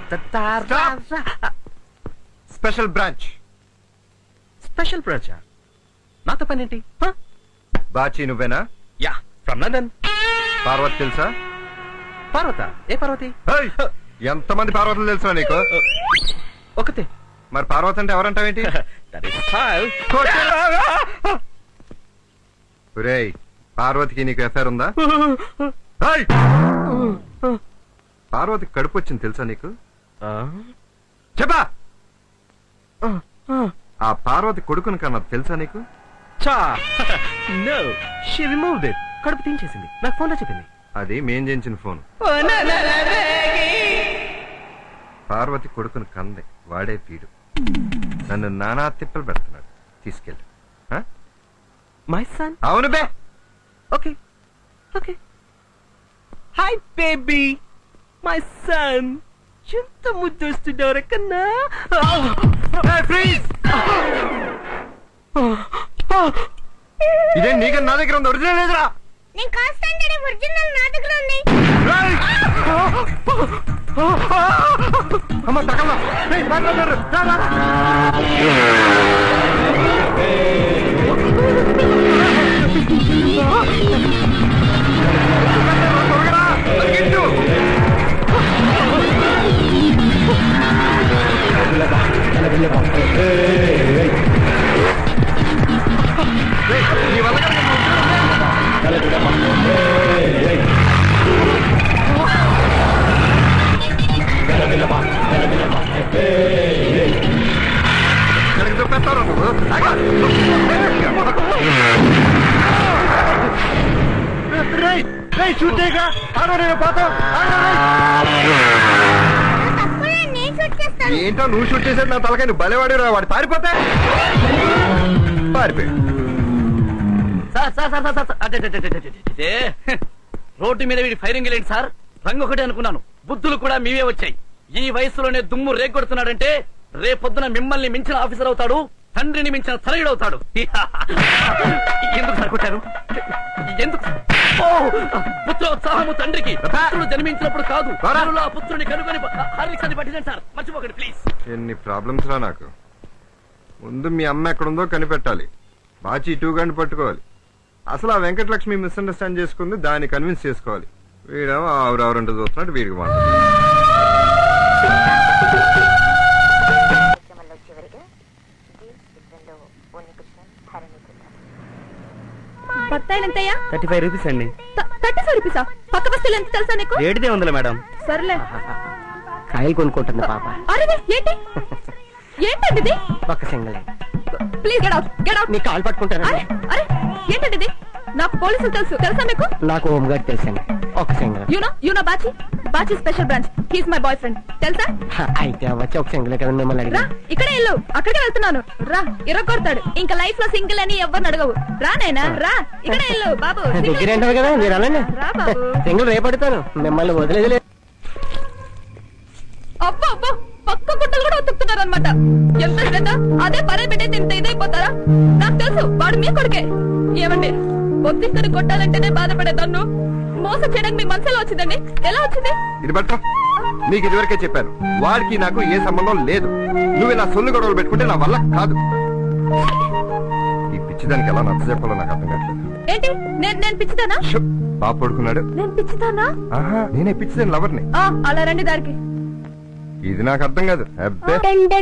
Special branch. Special branch నాతో పనేంటి? బాచి నువ్వేనా? Yeah, from London. Parvati తెలుసా? పార్వత? ఏ పార్వతి? ఎంతమంది పార్వతులు తెలుసా నీకు? ఒకతే. మరి పార్వతి అంటే ఎవరంటావేంటి? ఒరేయ్, పార్వతికి నీకు ఎఫ్ఐఆర్ ఉందా? పార్వతికి కడుపు వచ్చింది తెలుసా నీకు? చెప్పా. ఆ పార్వతి కొడుకుని కన్నా తెలుసా నీకు? No, she removed it. కడుపు తీయించేసింది. నాకు ఫోన్ లో చెప్పింది. అది మేం చేయించిన ఫోన్. పార్వతి కొడుకుని కందే, వాడే పీడు. నన్ను నానా తిప్పలు పెడుతున్నాడు. తీసుకెళ్ళి. My son? అవును బే. Okay okay. Hi baby, my son. ఎంత ముద్దొస్తున్నావు కన్నా. ఇదే నీకు నా దగ్గర ఉంది, ఒరిజినల్ లేదురా. నేను కాస్తాను, ఒరిజినల్ నా దగ్గర ఉంది. అమ్మ తగల. నీ వల్ల పెడతారు నువ్వు. చూడేగా ఏంటో నువ్వు షూట్ చేసేది నా తలకాయ. నువ్వు బలేవాడి వాడు పారిపోతే పారిపోయి. రోడ్డు మీద వీడి ఫైరింగ్ లేండి సార్. రంగు ఒకటే అనుకున్నాను, బుద్ధులు కూడా మీవే వచ్చాయి. ఈ వయసులోనే దుమ్ము రేగొడుతున్నాడంటే రేపొద్దున మిమ్మల్ని మించిన ఆఫీసర్ అవుతాడు, తండ్రిని మించిన తనయుడు అవుతాడు. ఎందుకు సార్ కొట్టారు? ఎందుకు? పుత్రోత్సాహము తండ్రికి. పుత్రుడు జన్మించినప్పుడు కాదు, ఆ పుత్రుని కనుగొని హార్లిక్స్ పట్టించండి సార్. మర్చిపోకండి ప్లీజ్. ఎన్ని ప్రాబ్లమ్స్ రా నాకు. ముందు మీ అమ్మ ఎక్కడుందో కనిపెట్టాలి. బాచి 2 గంటలు పట్టుకోవాలి. అసలు ఆ వెంకటలక్ష్మి మిస్అండర్స్టాండ్ చేసుకుంది, దాన్ని కన్విన్స్ చేసుకోవాలి. వీడేమో ఆవురెవరంటూ చూస్తున్నాడు, వీడికి మాట. బత్తాయిలు ఎంతయ్యా? 35 రూపీస్ అండి. 35 రూపీసా? పక్క బస్తీలు ఎంత తెలుసా నీకు? రేటుదే ఉందిలే మేడం. సర్లే. కాయలు కొనుక్కుంటుంది పాప. అరే ఏంటి ఏంటండి ఇది? ఒక్క single. Please get out, get out. నీ కాలు పట్టుకుంటాను. అరే ఏంటండి ఇది? నాకు పోలీసులు తెలుసా మీకు? నాకు హోమ్ గార్డ్ తెలుసండి. ఒక single. You know Bachi? Bachi special branch. He's my boyfriend. తెలుసా? అయితే వచ్చి ఒక సింగల్ కదా మిమ్మల్ని రా, అడిగి. ఇక్కడే ఇల్లు. అక్కడికే వెళ్తున్నాను. రా, ఇరగొడతాడు. ఇంకా లైఫ్ లో సింగిల్ అని ఎవరిని అడగవు. రా నైనా రా, ఇక్కడే ఇల్లు బాబు. దగ్గర ఏంటారు కదా మీరు అలానే. రా బాబు. సింగల్ రేపడతాను, మిమ్మల్ని వదిలేదు. అబ్బో అబ్బో, పక్క గుట్టలు కూడా ఉతుకుతున్నారు అనమాట. ఎంత శ్రద్ధ. అదే పరే పెట్టే ఇంత ఇదైపోతారా? నాకు తెలుసు వాడు మీ కొడుకే. ఏమండి, పొద్దుకొని కొట్టాలంటేనే బాధపడే తన్ను మోసం చేయడానికి మీ మనసులో వచ్చిందండి. ఎలా వచ్చింది? ఇది బట్ట నీకు ఇదివరకే చెప్పాను, వాడికి నాకు ఏ సంబంధం లేదు. నువ్వు ఇలా సొల్లు గొడవలు పెట్టుకుంటే నా వల్ల కాదు. ఈ పిచ్చిదానికి ఎలా నచ్చ చెప్పాలో నాకు అర్థం కావట్లేదు. ఏంటి నేను పిచ్చిదానా? బాబు పడుకున్నాడు. నేను పిచ్చిదానా? ఆహా, నేనే పిచ్చిదాని లవర్ని. అలా రండి దారికి. ఇది నాకు అర్థం కాదు. అబ్బే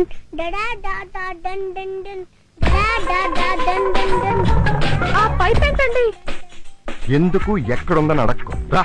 ఆ పైప్ ఏంటండి? ఎందుకు ఎక్కడుందని అడక్కో. రా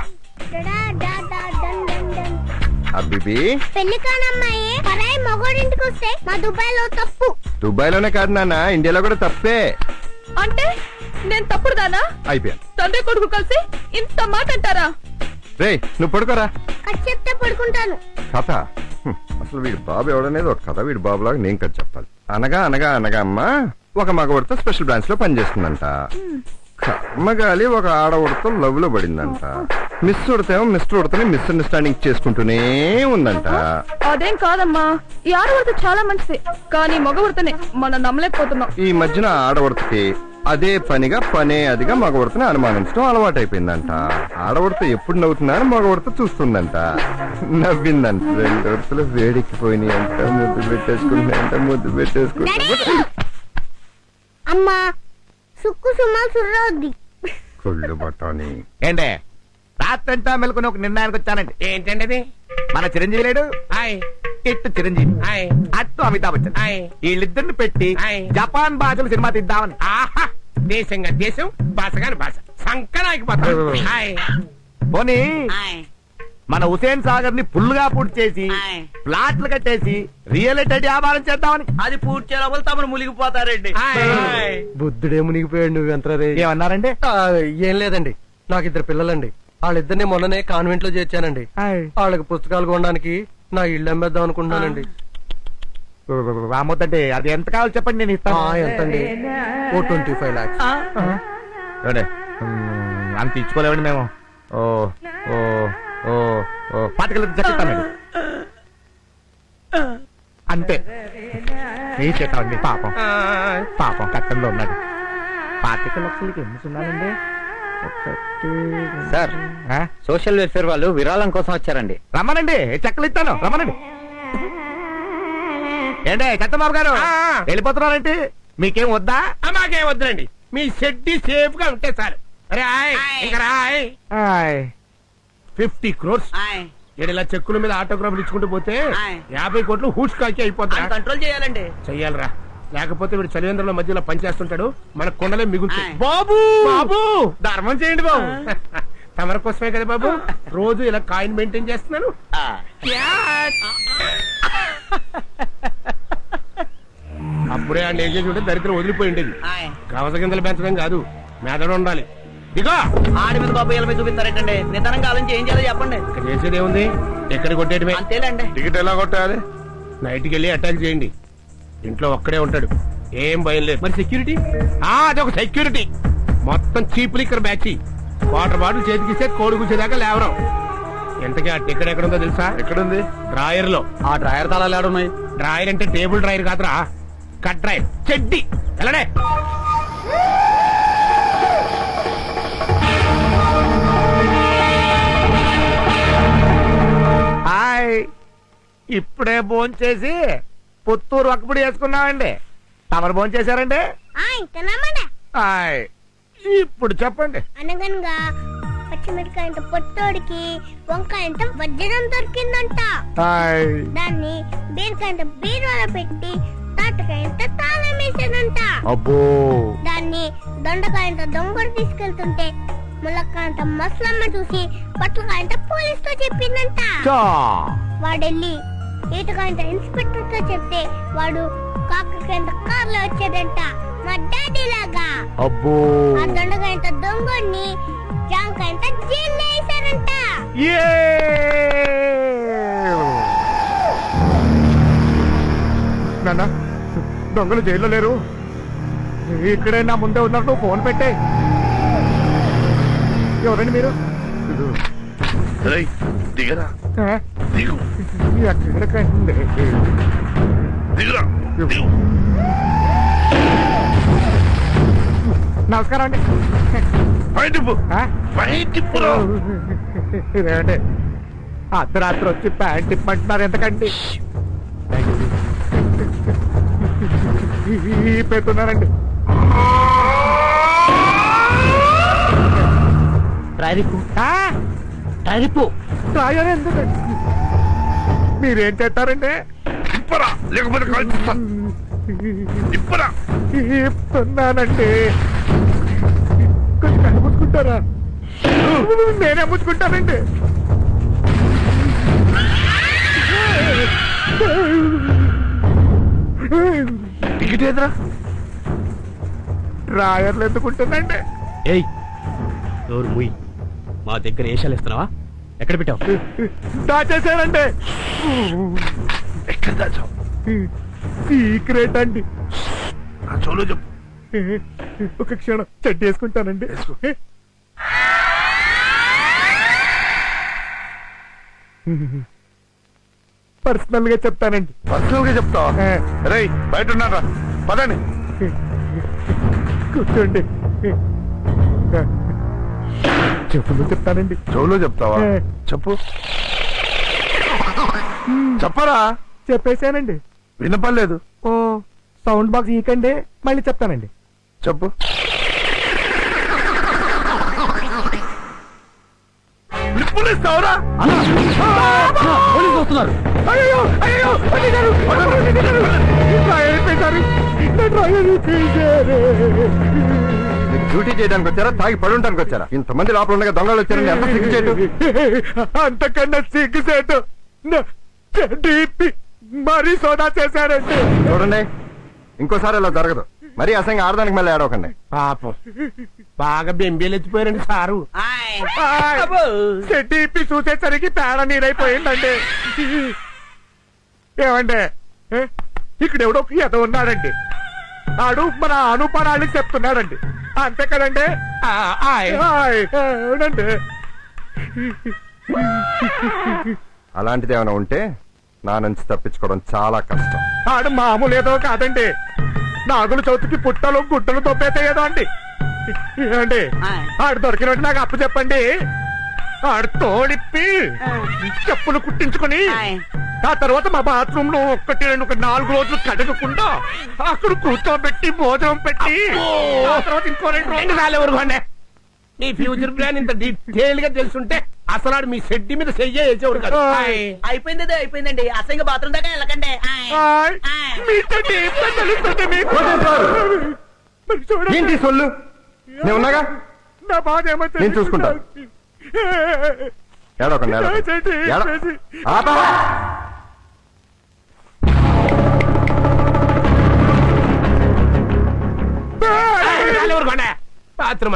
అబ్బిబి. పెళ్లి కానమ్మాయి పరాయి మగోడింటికి వస్తే మా దుబాయ్ లో తప్పు. దుబాయ్ లోనే కాదు నాన్న, ఇండియాలో కూడా తప్పే. అంటే నేను తప్పుడుదానా? అయిపోయాను. తండ్రి కొడుకు కలిసి ఇంత మాట అంటారా? రే నువ్వు పడుకోరా. కథ చెప్తే పడుకుంటాను. కథ? అసలు వీడి బాబు ఎవడనేది ఒక కథ. వీడి బాబులాగా నేను కథ చెప్పాలి. అనగా అనగా అనగా అమ్మ ఒక మగవాడితో స్పెషల్ బ్రాంచ్ లో పనిచేస్తుందంట. కర్మగాలి ఒక ఆడవాడితో లవ్ లో పడిందంట. మిస్ ఉడతేమో మిస్టర్ ఉడతని మిస్అండర్స్టాండింగ్ చేసుకుంటూనే ఉందంట. అదేం కాదమ్మా, ఈ ఆడవాడితో చాలా మంచిది, కానీ మగ ఉడతనే మనం నమ్మలేకపోతున్నాం. ఈ మధ్యన ఆడవాడికి అదే పనిగా పనే అదిగా మగవడతని అనుమానించడం అలవాటైపోయిందంట. ఆడవడత ఎప్పుడు నవ్వుతున్నా అని మగవడత చూస్తుందంట. నవ్విందంట. 2 వరుసలు వేడెక్కిపోయినాయి అంట. ముద్దు పెట్టేసుకుంటా అమ్మా సుక్కు సుమా సుర్రవుద్ది. కొళ్ళు బట్టాని. ఏంటే రాత్రంతా మెలుకుని ఒక నిర్ణయానికి వచ్చానండి. ఏంటండి అది? మన చిరంజీవి లేడు, ఇట్టు చిరంజీవి, అట్టు అమితాబ్ బచ్చన్, వీళ్ళిద్దరిని పెట్టి జపాన్ భాషలు సినిమా తీద్దామని. ఆహా దేశంగా దేశం భాషగాని భాష సంకరాకిపోతాం. పోనీ మన హుసేన్ సాగర్ ని ఫుల్గా పూర్తి చేసి ప్లాట్లు కట్టేసి రియల్ ఎస్టేట్ వ్యాపారం చేద్దామని. అది పూర్తి చేయడం తమను మునిగిపోతారండి. బుద్ధుడే మునిగిపోయాడు నువ్వు ఎంత ఏమన్నారండి? ఏం లేదండి, నాకు 2 పిల్లలండి. వాళ్ళిద్దరిని మొన్ననే కాన్వెంట్ లో చేర్చానండి. వాళ్ళకి పుస్తకాలు కొనడానికి నా ఇల్లు అమ్మేద్దాం అనుకుంటున్నానండి. రామొద్దండి, అది ఎంత కావాలో చెప్పండి, నేను ఇస్తాను. ఎంతండి? ఓ 25 lakhs. అంత ఇచ్చుకోలేవండి మేము. ఓ ఓ ఓ ఓ పాతికలు చెప్తానండి అంతే. ఏ చేస్తామండి, పాపం పాపం కట్టంలో ఉన్నాడు. 25 లక్షలకి ఎన్ని ఉన్నానండి? సార్, సోషల్ వెల్ఫేర్ వాళ్ళు విరాళం కోసం వచ్చారండి. రమ్మనండి, చెక్కలు ఇస్తాను, రమ్మనండి. ఏంటే చంద్రబాబు గారు వెళ్ళిపోతున్నారంటే మీకేం వద్దా? మాకేం వద్దులండి, మీ షెడ్డి సేఫ్ గా ఉంటే సార్. రాయ్ ఇంకా రాయ్. 50 crores ఇలా చెక్కుల మీద ఆటోగ్రాఫ్లు ఇచ్చుకుంటూ పోతే 50 కోట్లు హూస్ కాకి అయిపోతా. కంట్రోల్ చేయాలండి. చెయ్యాలరా, లేకపోతే వీడు చలివేంద్రంలో మధ్యలో పనిచేస్తుంటాడు, మన కొండలే మిగులుతాయి. బాబు బాబు ధర్మం చేయండి బాబు. తమర కోసమే కదా బాబు రోజు ఇలా కాయిన్ మెయింటైన్ చేస్తున్నాను. అప్పుడే ఆ ఏం చేసి ఉంటే దరిద్రం వదిలిపోయి ఉండేది. కవస గింజలు పెంచడం కాదు, మెదడు ఉండాలి. ఇగో ఆడి మీద బాబు మీద చూపిస్తారేటండి. నిదానంగా ఆలోచించి ఏం చేయాలో చెప్పండి. ఇక్కడ చేసేది ఏముంది, ఎక్కడ కొట్టేయడమే. అంతేలేండి. టికెట్ ఎలా కొట్టాలి? నైట్కి వెళ్ళి అటాక్ చేయండి. ఇంట్లో ఒక్కడే ఉంటాడు, ఏం భయం లేదు. మరి సెక్యూరిటీ? అదొక సెక్యూరిటీ. మొత్తం cheap liquor batch. Water bottle చేతికిస్తే కోడి కూర్చేదాకా లేవరం. ఎంతకీ ఆ టికెట్ ఎక్కడ ఉందో తెలుసా? ఎక్కడుంది? డ్రాయర్ లో. ఆ డ్రాయర్ తాళాలు ఏడున్నాయి? డ్రాయర్ అంటే టేబుల్ డ్రాయర్ కాదురా, కట్ డ్రాయర్. చెడ్డి ఎలానే. హాయ్, ఇప్పుడే భోంచేసి పుత్తూరు ఒక్కపుడి వేసుకున్నామండి. తమరు భోంచేశారండి? తినమడా హాయ్, ఇప్పుడు చెప్పండి. అనగనగా పచ్చిమిరకాయంత పొట్టోడికి వంకాయంత వజ్రం దొరికిందంట. హాయ్, దాన్ని బీరకాయంత బీరువాలో పెట్టి తాటకాయంత తాళం వేసేదంట. అబ్బో, దాన్ని దొండకాయంత దొంగడు తీసుకెళ్తుంటే ములక్కాయంత మసలమ్మ చూసి పట్లకాయంత పోలీస్ తో చెప్పిందంట. చా, వాడెళ్ళి ఈతకాయంత ఇన్స్పెక్టర్ తో చెప్తే వాడు కాకకాయంత కార్లో వచ్చేదంట, మా డాడీ లాగా. అబ్బో, ఆ దొండకాయంత దొంగని జాంకాయంత జైల్లో వేశారంట. ఏ నాన్న, దొంగలు జైల్లో లేరు, ఇక్కడే నా ముందే ఉన్నారు. నువ్వు ఫోన్ పెట్టే. ఎవరండి మీరు? దిగరా, ఆ? దిగు, ఎక్కడికండి? దిగురా, దిగు. నమస్కారం అండి. బయటిపు, ఆ? బయటిపురా. ఇదేమండి, అర్ధరాత్రి వచ్చి ప్యాంట్ ఇప్పంటున్నారు ఎందుకండి? పెడుతున్నారండి. రాయని ఎందుకండి? మీరేం చేస్తారండి? ఇప్పరా, లేకపోతే కాల్చిస్తా. ఇప్పరా. చెప్తున్నానండి. కొంచెం కనిపించుకుంటారా? నేనే ముచ్చుకుంటానండి. టికెట్ ఏదిరా? డ్రాయర్లు ఎందుకుంటుందండి? ఏయ్ నోరు ముయ్. మా దగ్గర ఏషాలు ఇస్తున్నావా? ఎక్కడ పెట్టావు? దాచేసానండి. ఎక్కడ దాచావు? సీక్రెట్ అండి. నా చోలో చెప్పు. ఒక క్షణం చెడ్డ వేసుకుంటానండి. పర్సనల్ గా చెప్తానండి. పర్సనల్ గా చెప్తావా? రేయ్, బయట ఉన్నారా? పదండి. కూర్చోండి చెప్పులు చెప్తానండి. చెవులో చెప్తావా చెప్పు చెప్పరా చెప్పేశానండి. వినపడలేదు ఓ సౌండ్ బాక్స్ ఈకండి, మళ్ళీ చెప్తానండి. చెప్పు నిప్పులు ఇస్తావురా పోలీసులు వస్తున్నారు. అయ్యో అయ్యో అడిగారు డ్యూటీ చేయడానికి వచ్చారా తాగి పడుంటానికి వచ్చారా? ఇంతమంది లోపల ఉండగా దొంగలు వచ్చారని ఎంత సిగ్గు చేయడం. అంతకన్నా సిగ్గుసేటు మరీ సోదా చేశారండి. చూడండి ఇంకోసారి అలా జరగదు. మరీ అసంగా ఆడదానికి మళ్ళీ ఆడవకండి. పాపం బాగా బెంబేలు ఎత్తిపోయారండి సారు. డిపి చూసేసరికి పేడ నీరైపోయిందండి. ఏమండి ఇక్కడ ఎవడో ఎద ఉన్నాడండి. ఆడు మన అనుపరాళ్ళకి చెప్తున్నాడండి. అంతే కదండి. అవునండి. అలాంటిది ఏమైనా ఉంటే నా నుంచి తప్పించుకోవడం చాలా కష్టం. ఆడు మామూలు ఏదో కాదండి. నాగుల చవితికి పుట్టలు గుట్టలు తొప్పేతాయేదో అండి. ఏమండి ఆడు దొరికినట్టు నాకు అప్పు చెప్పండి. ఆడు తోడిప్పి చెప్పులు కుట్టించుకుని ఆ తర్వాత మా బాత్రూమ్ లో 4 రోజులు కడగకుండా అక్కడ కూర్చోబెట్టి భోజనం పెట్టి ఆ తర్వాత ఇంకో 2 రోజులు ఊరుకోండి. మీ ఫ్యూచర్ ప్లాన్ ఇంత డీటెయిల్ గా తెలుసుంటే అసలు మీ షెడ్డి మీద చెయ్యేసేవాడు కదా. అయిపోయింది అయిపోయిందండి. అసంగా బాత్రూమ్ దాకా వెళ్ళకండి. మీతో ఏంటో తెలుస్తుంది మీకు. మరి చూడండి. ఏంటి సొల్లు? నేను ఉన్నాగా, నా బాధ ఏమో నేను చూసుకుంటా. ఏడవకండి ఊరుకోండి. బాత్రూమ్